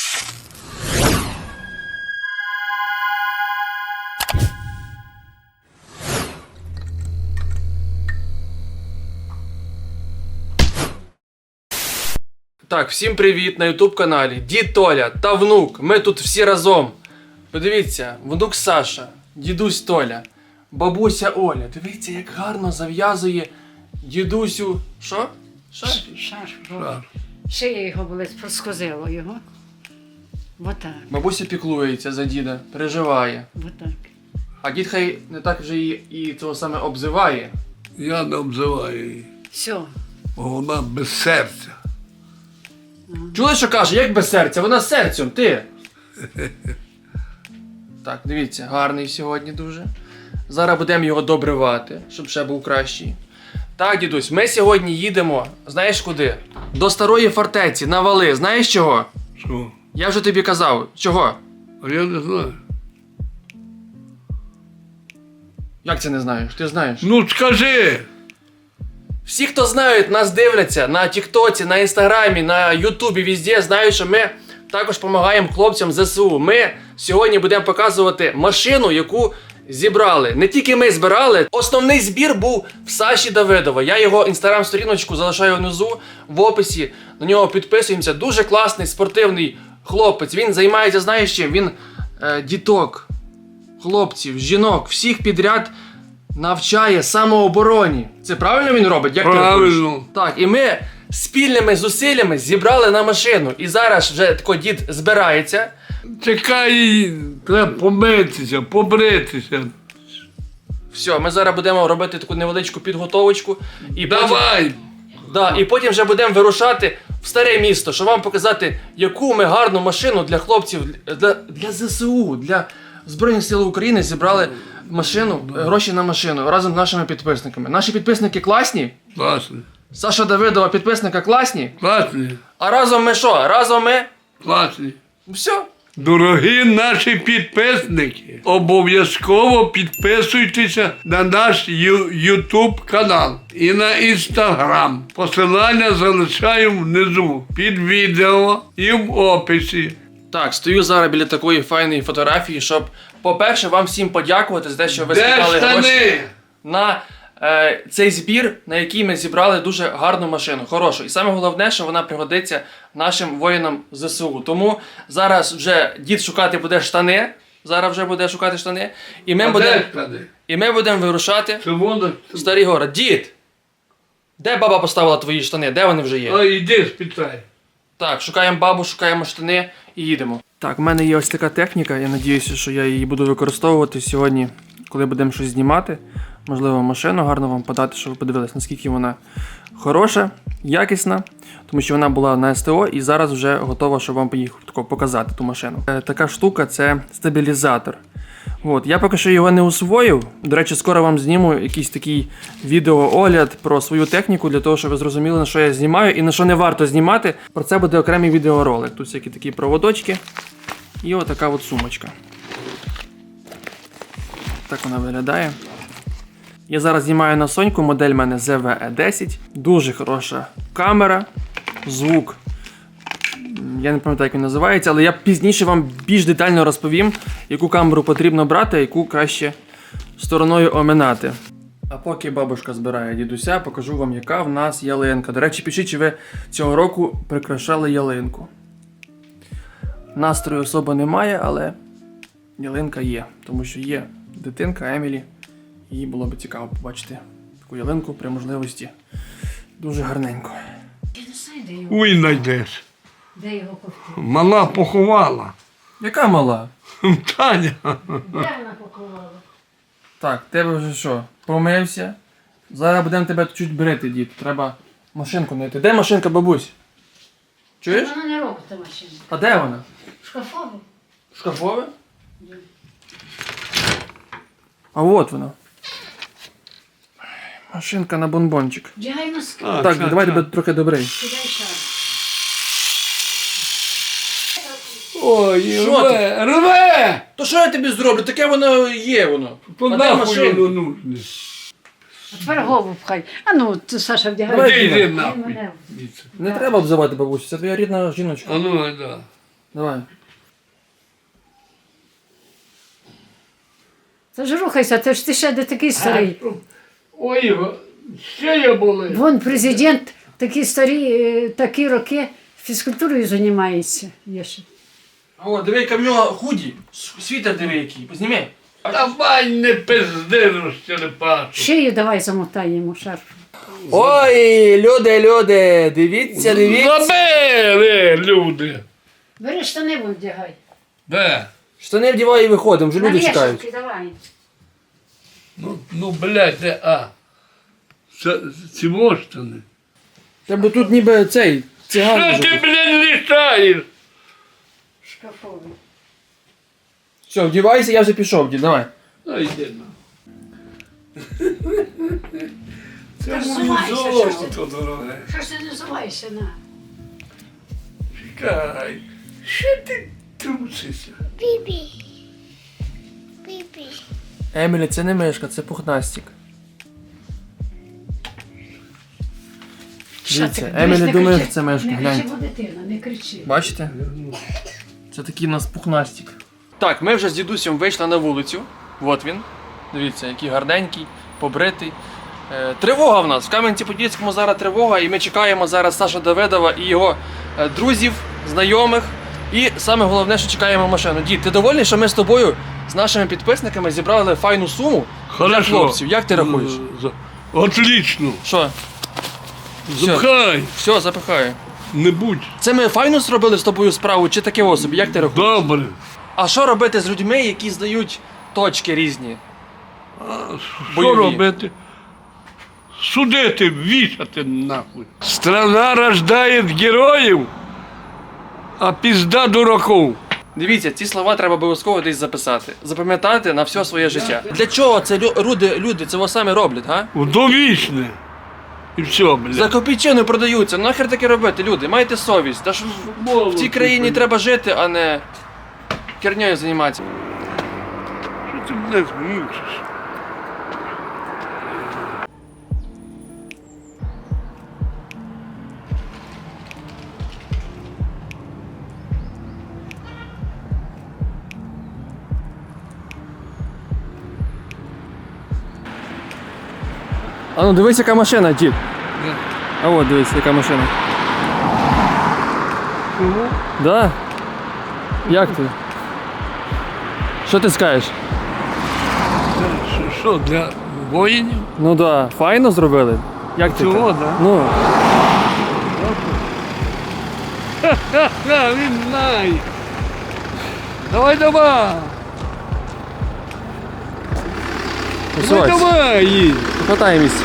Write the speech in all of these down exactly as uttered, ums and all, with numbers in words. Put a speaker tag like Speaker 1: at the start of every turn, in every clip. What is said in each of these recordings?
Speaker 1: Так, всім привіт на ютуб каналі. Дід Толя та внук. Ми тут всі разом. Подивіться, внук Саша, дідусь Толя, бабуся Оля. Дивіться, як гарно зав'язує дідусю. Що? Шаш?
Speaker 2: Шаш. Шия його болить, проскозило його. Отак.
Speaker 1: Бабуся піклується за діда, переживає.
Speaker 2: Отак.
Speaker 1: А дід хай не так вже і, і цього саме обзиває.
Speaker 3: Я не обзиваю її,
Speaker 2: Все.
Speaker 3: бо вона без серця.
Speaker 1: Чули, що каже, як без серця? Вона з серцем, ти. Так, дивіться, гарний сьогодні дуже. Зараз будемо його добривати, щоб ще був кращий. Так, дідусь, ми сьогодні їдемо, знаєш куди? До старої фортеці, на вали. Знаєш чого?
Speaker 3: Що?
Speaker 1: Я вже тобі казав. Чого?
Speaker 3: А я не знаю.
Speaker 1: Як це не знаєш? Ти знаєш.
Speaker 3: Ну скажи!
Speaker 1: Всі, хто знають, нас дивляться на Тіктоці, на Інстаграмі, на Ютубі, везде, знають, що ми також допомагаємо хлопцям з ЗСУ. Ми сьогодні будемо показувати машину, яку зібрали. Не тільки ми збирали, основний збір був в Саші Давидова. Я його інстаграм-сторіночку залишаю внизу, в описі. На нього підписуємося. Дуже класний, спортивний хлопець. Він займається, знаєш чим? Він е, діток, хлопців, жінок, всіх підряд навчає самообороні. Це правильно він робить? Як
Speaker 3: Правильно.
Speaker 1: Ти так, і ми спільними зусиллями зібрали на машину. І зараз вже тако дід збирається.
Speaker 3: Чекай, треба помитися, побритися.
Speaker 1: Все, ми зараз будемо робити таку невеличку підготовочку. І
Speaker 3: Давай!
Speaker 1: Потім, да, і потім вже будемо вирушати в старе місто, щоб вам показати, яку ми гарну машину для хлопців, для, для ЗСУ, для Збройних сил України зібрали машину, гроші на машину разом з нашими підписниками. Наші підписники класні?
Speaker 3: Класні.
Speaker 1: Саша Давидова підписника класні?
Speaker 3: Класні.
Speaker 1: А разом ми що? Разом ми?
Speaker 3: Класні.
Speaker 1: Все.
Speaker 3: Дорогі наші підписники, обов'язково підписуйтеся на наш ютуб канал і на інстаграм. Посилання залишаю внизу під відео і в описі.
Speaker 1: Так, стою зараз біля такої файної фотографії, щоб, по-перше, вам всім подякувати за те, що ви
Speaker 3: Де
Speaker 1: скидали
Speaker 3: штани?
Speaker 1: гроші на е, цей збір, на який ми зібрали дуже гарну машину, хорошу. І саме головне, що вона пригодиться нашим воїнам ЗСУ. Тому зараз вже дід шукати буде штани, зараз вже буде шукати штани, і ми
Speaker 3: А
Speaker 1: будемо
Speaker 3: де штани?
Speaker 1: і ми будемо вирушати
Speaker 3: Це воно.
Speaker 1: в Старий Город. Дід! Де баба поставила твої штани? Де вони вже є?
Speaker 3: А йди спитай.
Speaker 1: Так, шукаємо бабу, шукаємо штани і їдемо. Так, в мене є ось така техніка, я сподіваюся, що я її буду використовувати сьогодні, коли будемо щось знімати. Можливо, машину гарно вам подати, щоб ви подивилися, наскільки вона хороша, якісна. Тому що вона була на СТО і зараз вже готова, щоб вам їх показати, ту машину. Е, така штука – це стабілізатор. От, я поки що його не усвоїв. До речі, скоро вам зніму якийсь такий відеоогляд про свою техніку, для того, щоб ви зрозуміли, на що я знімаю і на що не варто знімати. Про це буде окремий відеоролик. Тут всякі такі проводочки і отака от сумочка. Так вона виглядає. Я зараз знімаю на Соньку, модель в мене зет ве і десять. Дуже хороша камера, звук. Я не пам'ятаю, як він називається, але я пізніше вам більш детально розповім, яку камеру потрібно брати, а яку краще стороною оминати. А поки бабушка збирає дідуся, покажу вам, яка в нас ялинка. До речі, пишіть, чи ви цього року прикрашали ялинку. Настрою особо немає, але ялинка є. Тому що є дитинка Емілі. Їй було б цікаво побачити таку ялинку при можливості. Дуже гарненько.
Speaker 2: Я не знаю, де його.
Speaker 3: Уй, знайдеш.
Speaker 2: Де його ковти?
Speaker 3: Мала поховала.
Speaker 1: Яка мала?
Speaker 3: Таня.
Speaker 2: Де вона поховала?
Speaker 1: Так, тебе вже що? Помився. Зараз будемо тебе чуть брити, дід. Треба машинку знайти. Де машинка, бабусь? Чуєш?
Speaker 2: Вона не робить та машина.
Speaker 1: А де вона?
Speaker 2: Шкафову.
Speaker 1: Шкафове? А от вона. Машинка на бонбончик.
Speaker 2: Вдягай носки.
Speaker 3: А,
Speaker 1: Так,
Speaker 3: це-
Speaker 1: давай
Speaker 3: це.
Speaker 1: тебе трохи добрий.
Speaker 2: Кидай шар.
Speaker 3: Ой,
Speaker 1: Що
Speaker 3: рве, рве!
Speaker 1: То що я тобі зроблю? Таке воно є воно.
Speaker 3: То
Speaker 1: А де
Speaker 3: нахуй
Speaker 1: машинка?
Speaker 3: воно нужне.
Speaker 2: А тепер голову пхай. А ну, ти, Саша, вдягай.
Speaker 1: Давай,
Speaker 3: Іди,
Speaker 1: Діма.
Speaker 3: йди нахуй.
Speaker 2: мене.
Speaker 3: Звідси.
Speaker 1: Не треба обзивати бабусю, це твоя рідна жіночка.
Speaker 3: А ну, да.
Speaker 1: Давай.
Speaker 2: Та ж рухайся, ти ж ти ще не такий старий.
Speaker 3: Ой, ще я були.
Speaker 2: Вон президент такі старі, е, такі роки фізкультурою займається. Є ще.
Speaker 1: О, диви, яка в нього худі. Світер диви який. Позніми.
Speaker 3: Давай не пизди, розчерепашу.
Speaker 2: Шию давай замотаємо шарф.
Speaker 1: Ой, люди, люди, дивіться,
Speaker 3: Забери, люди.
Speaker 2: Бери штани вон вдягай.
Speaker 3: Де?
Speaker 1: Штани вдівай і виходимо, вже
Speaker 2: На
Speaker 1: люди чекають.
Speaker 2: вішалки давай.
Speaker 3: Ну, ну, блядь, де, а. Це, ці воштани.
Speaker 1: Тебе тут ніби цей, циган.
Speaker 3: Що
Speaker 1: може
Speaker 3: ти,
Speaker 1: бути.
Speaker 3: блядь, літаєш?
Speaker 2: Шкафовий.
Speaker 1: Все, вдівайся, я вже пішов, дід, давай.
Speaker 3: А йди на. Це
Speaker 2: Так
Speaker 3: моє
Speaker 2: займайся, що ж
Speaker 3: золото,
Speaker 2: ти?
Speaker 3: дороге.
Speaker 2: Що ж ти не називаєшся на?
Speaker 3: Чекай. Що ти трусишся?
Speaker 1: Емілі, це не мишка, це пухнастик. Дивіться, Емілі думає, що це мишка,
Speaker 2: Не
Speaker 1: гляньте.
Speaker 2: кричи, бо дитина, не кричи.
Speaker 1: Бачите? Це такий у нас пухнастик. Так, ми вже з дідусем вийшли на вулицю. От він. Дивіться, який гарненький, побритий. Е, тривога в нас. В Кам'янці-Подільському зараз тривога, і ми чекаємо зараз Саша Давидова і його е, друзів, знайомих. І саме головне, що чекаємо машину. Дід, ти довольний, що ми з тобою, з нашими підписниками, зібрали файну суму для хлопців? Як ти рахуєш?
Speaker 3: З- Отлично.
Speaker 1: Що? Все,
Speaker 3: Запхай.
Speaker 1: все, запихаю.
Speaker 3: Не будь.
Speaker 1: Це ми файно зробили з тобою справу, чи таке собі? Як ти рахуєш?
Speaker 3: Добре.
Speaker 1: А що робити з людьми, які здають точки різні?
Speaker 3: Що
Speaker 1: Бойові.
Speaker 3: робити? Судити, вішати нахуй. Страна рождає героїв, а пізда дураков.
Speaker 1: Дивіться, ці слова треба обов'язково десь записати. Запам'ятати на все своє життя. Для чого це лю- люди, люди цього саме роблять, га?
Speaker 3: Довічне. І все,
Speaker 1: За
Speaker 3: блядь.
Speaker 1: копійчину продаються. Ну нахер таке робити, люди? Майте совість. Та ж в- в цій країні треба жити, а не хернею займатися.
Speaker 3: Що ти, блядь, мучиш?
Speaker 1: А ну дивись, яка машина, дід. А от дивись, яка машина.
Speaker 3: Чого?
Speaker 1: Да? Як ти? Що ти скажеш?
Speaker 3: Це що- Що, для воїнів?
Speaker 1: Ну да, файно зробили. Як ти?
Speaker 3: Цього,
Speaker 1: так?
Speaker 3: да?
Speaker 1: Ну.
Speaker 3: Ха, він знає. Давай, давай. Давай,
Speaker 1: Посувайся.
Speaker 3: давай, їдь.
Speaker 1: Хватай місце.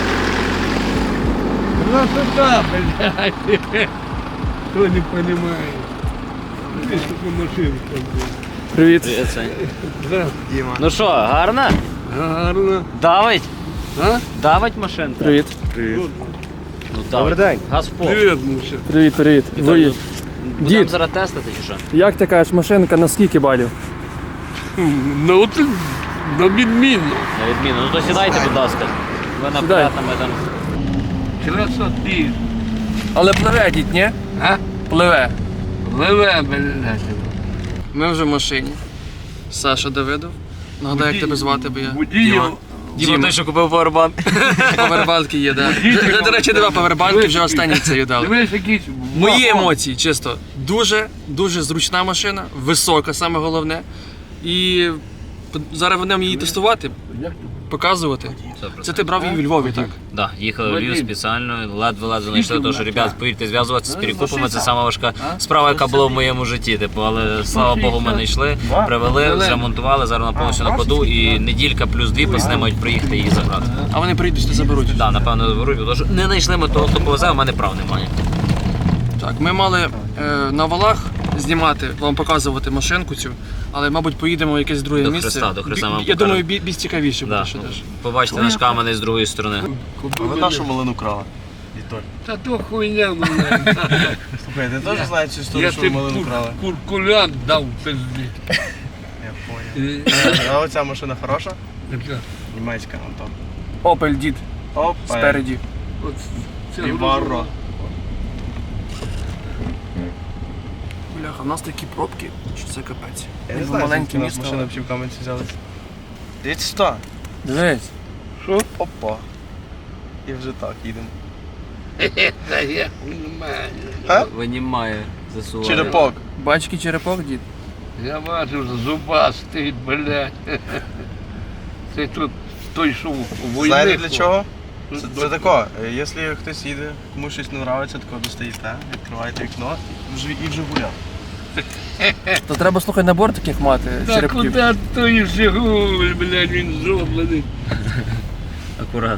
Speaker 3: Красота, блядь. Хто не понимає. Видиш, яка машинка, блядь.
Speaker 1: Привіт.
Speaker 3: Да,
Speaker 4: Ну що, гарно?
Speaker 3: гарно.
Speaker 4: Давить?
Speaker 3: А?
Speaker 4: Давить машинка?
Speaker 1: Привіт.
Speaker 3: Привіт.
Speaker 4: Ну, Добрий день. Газпол.
Speaker 3: Привіт, Муся.
Speaker 1: Привіт, привіт. Ви...
Speaker 4: Будемо
Speaker 1: Дід,
Speaker 4: зараз тестити чи що?
Speaker 1: як ти кажеш, машинка на скільки балів?
Speaker 3: Ну, от на відміну.
Speaker 4: На відміну. Ну то сідайте, будь ласка. Ви
Speaker 1: Сідай.
Speaker 4: наперед, а ми там.
Speaker 3: Красоти.
Speaker 1: Але пливе, дід, ні?
Speaker 3: А?
Speaker 1: Пливе.
Speaker 3: Ливе, блядь.
Speaker 1: Ми вже в машині. Саша Давидов. Нагадай, як тебе звати, бо я.
Speaker 3: Водію.
Speaker 1: Діма.
Speaker 4: той, що купив повербанк.
Speaker 1: Павербанки є, да. Вже, до речі, два павербанки, вже останні це їй дали.
Speaker 3: Дивись, якісь...
Speaker 1: Мої емоції, чисто. Дуже, дуже зручна машина, висока, саме головне. І зараз будемо її тестувати, показувати. Це ти брав її в Львові, так?
Speaker 4: Да, їхали в Львів спеціально, ледве-ледве знайшли, тому що, ребят, повірте, зв'язуватися з перекупами, це сама важка справа, яка була в моєму житті. Типу, але слава Богу, ми не йшли, привели, зремонтували, зараз вона повністю на ходу, і неділька плюс дві пацани мають приїхати її забрати.
Speaker 1: А вони прийдуть і заберуть.
Speaker 4: Так, да, напевно, заберуть, тому що не знайшли ми того, хто повезе, а в мене прав немає.
Speaker 1: Так, ми мали е, на валах знімати, вам показувати машинку цю, але, мабуть, поїдемо в якесь друге
Speaker 4: До
Speaker 1: місце.
Speaker 4: Хреста, до Хреста
Speaker 1: Бі-
Speaker 4: вам
Speaker 1: Я
Speaker 4: покажемо.
Speaker 1: думаю, бі- більш цікавіше буде
Speaker 4: Да.
Speaker 1: ще теж.
Speaker 4: Побачите наш каменець з другої сторони.
Speaker 5: Ви нашу малину крали? Вітоль.
Speaker 3: Та то хуйня, мене.
Speaker 5: Слухай, ти теж знаєш цю
Speaker 3: Я
Speaker 5: історію, що
Speaker 3: ти
Speaker 5: ви малину крали?
Speaker 3: куркулянт дав пизди.
Speaker 5: Я понял. А оця машина хороша? Німецька, Антон.
Speaker 1: Опель, дід,
Speaker 5: Опа.
Speaker 1: спереді.
Speaker 3: От це
Speaker 5: Віварро.
Speaker 1: Бля, Бляха, в нас такі пробки, що це капець.
Speaker 5: Я не
Speaker 1: Ніби
Speaker 5: знаю,
Speaker 1: маленьке
Speaker 5: звідки у нас
Speaker 1: місто.
Speaker 5: машина взагалі в Кам'янці взялась. Дивіться сюди.
Speaker 1: Дивись.
Speaker 5: Що? Опа. І вже так, їдемо.
Speaker 3: Та я нормально.
Speaker 5: А?
Speaker 4: Винімає, засуває.
Speaker 5: Черепок.
Speaker 1: Бачки черепок, дід.
Speaker 3: Я бачив, зубастий, блядь. Це тут той, що у війни.
Speaker 5: Знаєте для чого? Це, це тако, е, якщо хтось їде, комусь щось не подобається, тако достаєте, відкриваєте вікно і вже, і вже гуляв.
Speaker 1: То треба, слухай, набор таких мати,
Speaker 3: Та
Speaker 1: черепків.
Speaker 3: куди той Жигуль, блядь, він зроблений.
Speaker 4: Акурат.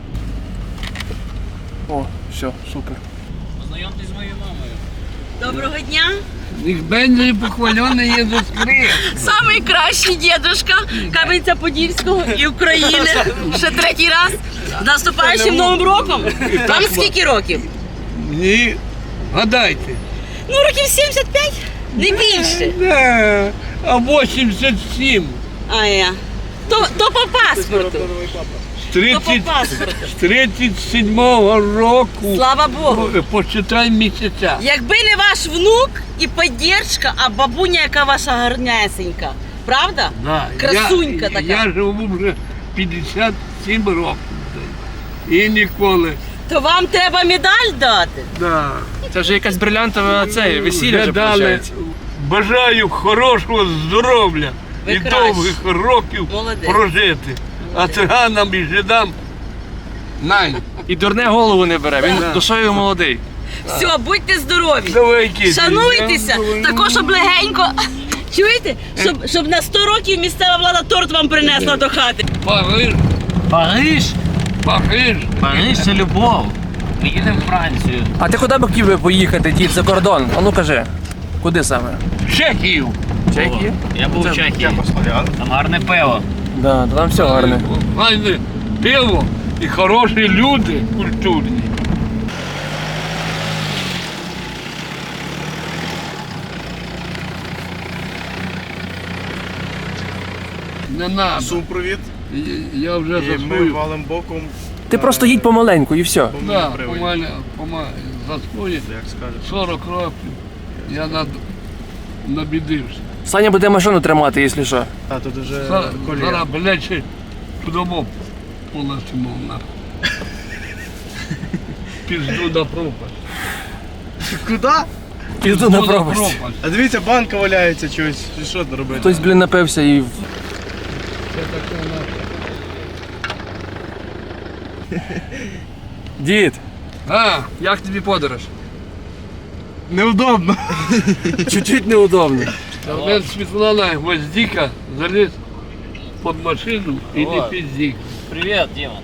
Speaker 1: О, все, супер.
Speaker 4: Познайомтесь з моєю мамою.
Speaker 6: Доброго дня!
Speaker 3: Їх бензі похвалений Єсус Христ.
Speaker 6: Самий кращий дідушка Кам'янця-Подільського і України. Ще третій раз. З наступаючим Новим роком. Вам скільки років?
Speaker 3: Ні, гадайте.
Speaker 6: Ну, років сімдесят п'ять, не більше.
Speaker 3: Да, а вісімдесят сім.
Speaker 6: А я. То, то по паспорту.
Speaker 3: З
Speaker 6: То по
Speaker 3: тридцять
Speaker 6: паспорту.
Speaker 3: з тридцять сьомого року.
Speaker 6: Слава Богу.
Speaker 3: Почитай місяця.
Speaker 6: Якби не ваш внук і поддержка, а бабуня, яка ваша гарнесенька. Правда?
Speaker 3: Да,
Speaker 6: Красунька
Speaker 3: я,
Speaker 6: така.
Speaker 3: Я живу вже п'ятдесят сім років. І ніколи.
Speaker 6: То вам треба медаль дати.
Speaker 3: Да.
Speaker 1: Це вже якась брилянтова це, весілля вже
Speaker 3: Гадали.
Speaker 1: виходить.
Speaker 3: Бажаю хорошого здоров'я
Speaker 6: Ви
Speaker 3: і
Speaker 6: краще.
Speaker 3: довгих років
Speaker 6: Молодець.
Speaker 3: прожити. А циганам і жидам най.
Speaker 1: І дурне голову не бере, він
Speaker 3: Да.
Speaker 1: душою молодий.
Speaker 6: Все, будьте здорові.
Speaker 3: Давай, киди.
Speaker 6: Шануйтеся, також щоб легенько. Чуєте? Щоб, щоб на сто років місцева влада торт вам принесла до хати.
Speaker 3: Париж,
Speaker 4: Париж?
Speaker 3: Париж.
Speaker 4: Париж це любов. Ми їдемо в Францію.
Speaker 1: А ти куди б хотів би поїхати, дід, за кордон? А ну кажи, куди саме?
Speaker 3: Чехію.
Speaker 1: Чехії?
Speaker 4: Я був в Чехії.
Speaker 5: Чехослов'ян.
Speaker 4: Там гарне пиво.
Speaker 1: Да, то там все гарне.
Speaker 3: Гарне пиво і хороші люди культурні. Не надо.
Speaker 5: Супровід.
Speaker 3: Я- Я вже
Speaker 5: І ми
Speaker 3: засвою.
Speaker 5: валим боком.
Speaker 1: Ти просто їдь помаленьку і все.
Speaker 3: Да,
Speaker 5: привид.
Speaker 3: помаля, помаля, засвою.
Speaker 5: Як скажеш.
Speaker 3: сорок років. Я над... набідився.
Speaker 1: Саня буде машину тримати, якщо що.
Speaker 5: А тут вже
Speaker 3: Зараз,
Speaker 5: колія.
Speaker 3: зараз, блядь, ще туди полетимо на. Пізду на пропасть.
Speaker 5: Куди?
Speaker 1: Пізду на пропасть.
Speaker 5: А дивіться, банка валяється чогось. Що тут робити?
Speaker 1: Хтось, блін, напився і... в-
Speaker 3: Це таке наше.
Speaker 1: Дід,
Speaker 3: А,
Speaker 1: як тобі подорож?
Speaker 5: Неудобно.
Speaker 1: Чуть-чуть неудобно.
Speaker 3: а мен Світлана Гвоздіка заліз під машину і не піздік.
Speaker 4: Привіт, Діма.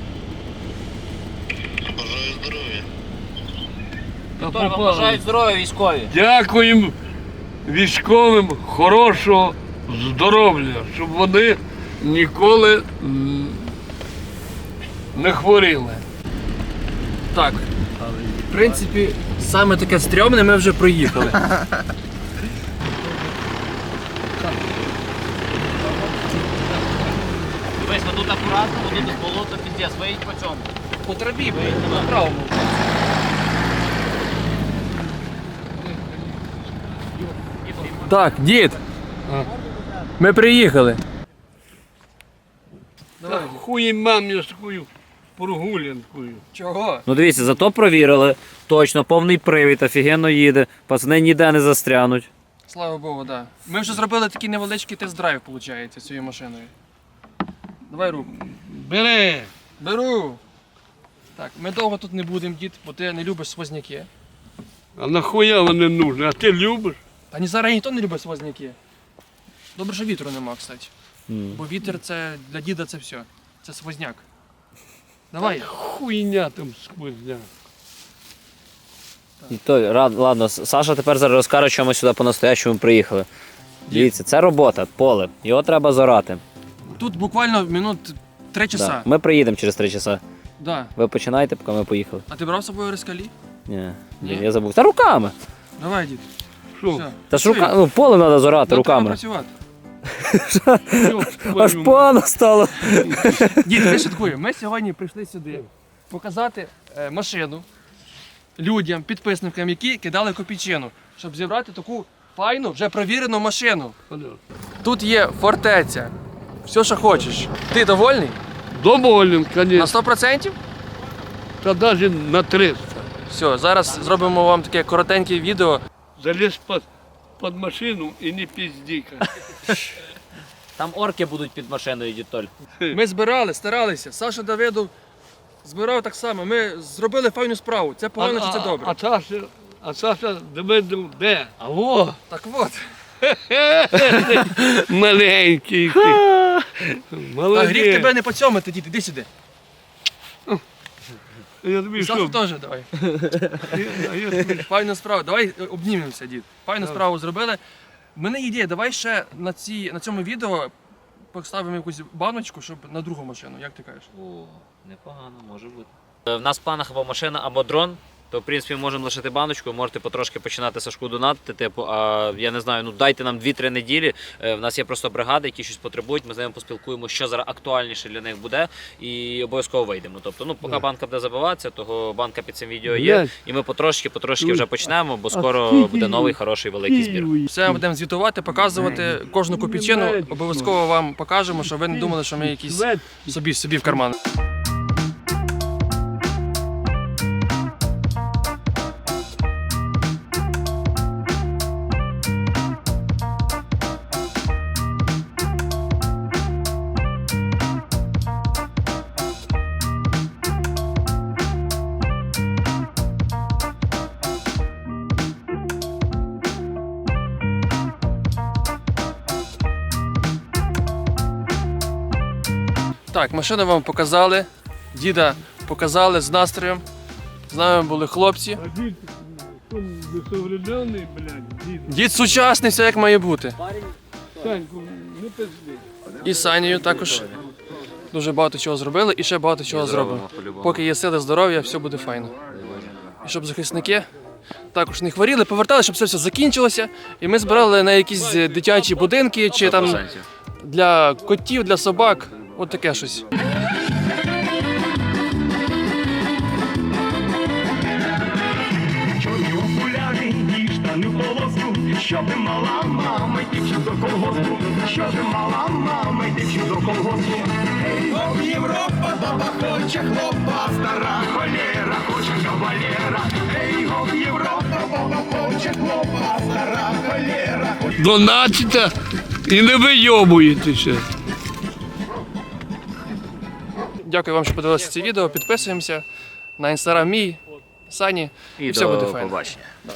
Speaker 3: Та
Speaker 4: Хто вам
Speaker 3: попали.
Speaker 4: бажають здоров'я військові?
Speaker 3: Дякуємо військовим хорошого здоров'я, щоб вони ніколи м, не хворіли.
Speaker 1: Так, в принципі, саме таке стрьомне ми вже проїхали.
Speaker 4: Дивись, ви тут акуратно, бо тут болото піздець, виїдь по цьому.
Speaker 1: По трабі, по правому. Так, дід,
Speaker 3: А.
Speaker 1: ми приїхали.
Speaker 3: Та хуй мамі з такою прогулянкою.
Speaker 1: Чого?
Speaker 4: Ну дивіться, зато провірили. Точно, повний привід, офігенно їде. Пацани ніде не застрянуть.
Speaker 1: Слава Богу, так. Да. Ми вже зробили такий невеличкий тест-драйв, виходить, цією машиною. Давай руку.
Speaker 3: Бери!
Speaker 1: Беру. Так, ми довго тут не будемо, дід, бо ти не любиш свозняки.
Speaker 3: А нахуя вони нужні? А ти любиш?
Speaker 1: Та ні, зараз ніхто не любить свозняки. Добре, що вітру нема, кстати.
Speaker 4: М.
Speaker 1: Бо вітер це для діда це все. Це свозняк. Давай.
Speaker 3: Хуйня там сквозня.
Speaker 4: І то, рад- ладно, Саша тепер зараз розкаже, чому ми сюди по-настоящому приїхали. Дивіться, це робота, поле. Його треба зорати.
Speaker 1: Тут буквально минут три часа.
Speaker 4: Да. Ми приїдемо через три часа.
Speaker 1: Да.
Speaker 4: Ви починаєте, поки ми поїхали.
Speaker 1: А ти брав з собою рискалі?
Speaker 4: Ні,
Speaker 1: Ні?
Speaker 4: я забув. Та руками.
Speaker 1: Давай, дід.
Speaker 3: Що?
Speaker 1: Все.
Speaker 4: Та ж рука... ну, поле треба зорати руками.
Speaker 1: працювати.
Speaker 3: Йоп,
Speaker 4: Аж
Speaker 3: твою
Speaker 4: погано стало.
Speaker 1: Дід, не шуткую. Ми сьогодні прийшли сюди показати е, машину людям, підписникам, які кидали копійчину, щоб зібрати таку файну, вже провірену машину. Тут є фортеця. Все, що хочеш. Ти довольний?
Speaker 3: Доволен,
Speaker 1: На
Speaker 3: звісно.
Speaker 1: сто відсотків?
Speaker 3: Та навіть на триста.
Speaker 1: Все, зараз зробимо вам таке коротеньке відео.
Speaker 3: Заліз під, під машину і не піздіка.
Speaker 4: Там орки будуть під машиною, дітоль.
Speaker 1: Ми збирали, старалися. Саша Давидов збирав так само. Ми зробили файну справу. Це погано чи це добре?
Speaker 3: А, а Саша, а Саша Давидов де?
Speaker 4: Алло!
Speaker 1: Так от.
Speaker 3: Маленький.
Speaker 1: Та
Speaker 3: Молодець.
Speaker 1: гріх тебе не поцьомити, дід, іди сюди.
Speaker 3: Я тобі
Speaker 1: І Сашу
Speaker 3: що?
Speaker 1: теж давай.
Speaker 3: А я тобі
Speaker 1: Файну справу. Давай обнімемося, дід. Файну справу зробили. У мене є ідея, давай ще на, ці, на цьому відео поставимо якусь баночку, щоб на другу машину, як ти кажеш?
Speaker 4: О, непогано, може бути. В нас в планах або машина, або дрон. То, в принципі, можемо лишити баночку, можете потрошки починати Сашку донатити, типу, а я не знаю, ну дайте нам дві-три неділі. Е, В нас є просто бригади, які щось потребують, ми з ними поспілкуємо, що зараз актуальніше для них буде, і обов'язково вийдемо. Тобто, ну, поки банка буде забиватися, того банка під цим відео є,
Speaker 3: Блядь.
Speaker 4: і ми потрошки-потрошки вже почнемо, бо скоро буде новий хороший великий збір.
Speaker 1: Все будемо звітувати, показувати кожну копійчину. Обов'язково вам покажемо, щоб ви не думали, що ми якісь собі, собі в карман. Так, машину вам показали, діда показали з настроєм. З нами були хлопці.
Speaker 3: А дід, він несовременний, блядь, дід.
Speaker 1: Дід сучасний, все як має бути.
Speaker 3: Саньку, не пизди.
Speaker 1: І з Санєю також дуже багато чого зробили і ще багато чого зробимо. Поки є сили, здоров'я, все буде файно. І щоб захисники також не хворіли, повертали, щоб це все закінчилося. І ми збирали на якісь дитячі будинки чи там для котів, для собак. От таке щось.
Speaker 7: Чорні окуляри і штани в полоску, що ти мала мама, йди до колгоспу, що ти мала мама, йди до колгоспу. Ей, гоп, Європа, баба хоче хлопа, стара холєра, хоче кавалєра. Ей, гоп, Європа, баба хоче хлопа, стара холєра.
Speaker 3: Донатите і не вийобуєтеся.
Speaker 1: Дякую вам, що подивилися це відео. Підписуємося на інстаграм мій, Сані. І,
Speaker 4: І
Speaker 1: все
Speaker 4: до
Speaker 1: буде файно.
Speaker 4: побачення.